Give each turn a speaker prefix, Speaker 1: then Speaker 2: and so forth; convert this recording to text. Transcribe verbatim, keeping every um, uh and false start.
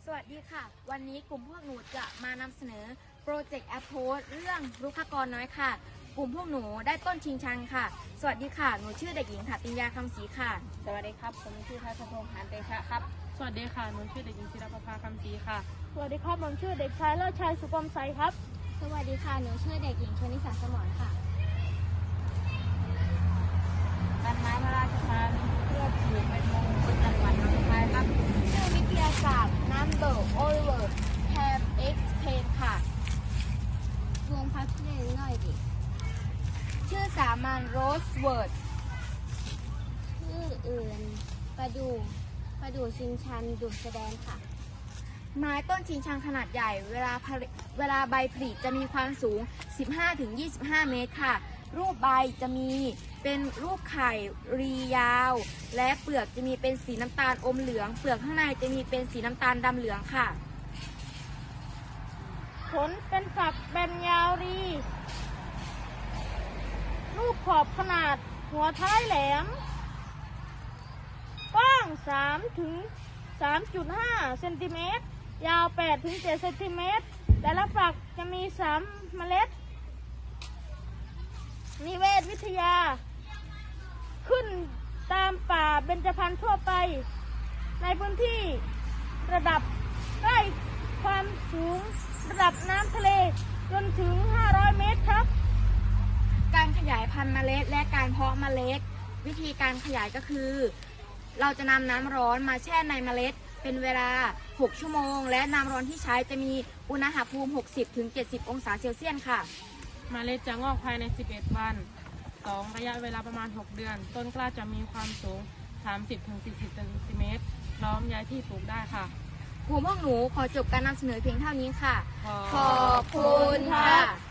Speaker 1: สวัสดีค่ะวันนี้กลุ่มพวกหนูจะมานำเสนอโปรเจกต์แอปโพสเรื่องรุกขกรน้อยค่ะกลุ่มพวกหนูได้ต้นชิงชังค่ะสวัสดีค่ะหนูชื่อเด็กหญิงถาติญญาคำศรีค่ะ
Speaker 2: สวัสดีครับผมชื่อทัศพงษ์หานเตชะครับ
Speaker 3: สวัสดีค่ะหนูชื่อเด็กหญิงศิรประภาคำศรีค่ะ
Speaker 4: สวัสดีครับผมชื่อเด็กชายเลิศชัยสุกรมใสครับ
Speaker 1: สวัสดีค่ะหนูชื่อเด็กหญิงชนิสาสมรค่ะ
Speaker 2: ต้นไม้พระราชทานเพื่อปลูกเป็นมงคลจังหวัดหนองคายครับ
Speaker 1: ชื่อวิทยาศาสตร์ Number Over Have Explain ค่ะ
Speaker 4: วงพักเล่นหน่อยดิ
Speaker 1: ชื่อสามัญ Rosewood
Speaker 4: ชื่ออื่นประดูประดูชิงชันดุแสดงค่ะ
Speaker 1: ไม้ต้นชิงชังขนาดใหญ่เวลาผลิเวลาใบผลิจะมีความสูง สิบห้าถึงยี่สิบห้า เมตรค่ะรูปใบจะมีเป็นรูปไข่รียาวและเปลือกจะมีเป็นสีน้ำตาลอมเหลืองเปลือกข้างในจะมีเป็นสีน้ำตาลดำเหลืองค่ะ
Speaker 4: ผลเป็นฝักแบนยาวรีรูปขอบขนาดหัวท้ายแหลมกว้างสามถึงสามจุดห้า เซนติเมตรยาวแปดถึงเจ็ด เซนติเมตรแต่ละฝักจะมีสามเมล็ดนิเวศวิทยาขึ้นตามป่าเบญจพรรณทั่วไปในพื้นที่ระดับใกล้ความสูงระดับน้ำทะเลจนถึงห้าร้อยเมตรครับ
Speaker 1: การขยายพันธุ์เมล็ดและการเพาะเมล็ดวิธีการขยายก็คือเราจะนำน้ำร้อนมาแช่ในเมล็ดเป็นเวลาหกชั่วโมงและน้ำร้อนที่ใช้จะมีอุณหภูมิ หกสิบถึงเจ็ดสิบ องศาเซลเซียสค่ะ
Speaker 3: เมล็ดจะงอกภายในสิบเอ็ดวันสองระยะเวลาประมาณหกเดือนต้นกล้าจะมีความสูงสามสิบถึงสี่สิบ เซนติเมตรพร้อมย้ายที่ปลูกได้ค่ะ
Speaker 1: กลุ่มพวกหนูขอจบการนำเสนอเพียงเท่านี้ค่ะ
Speaker 3: ขอบ
Speaker 1: คุณค่ะ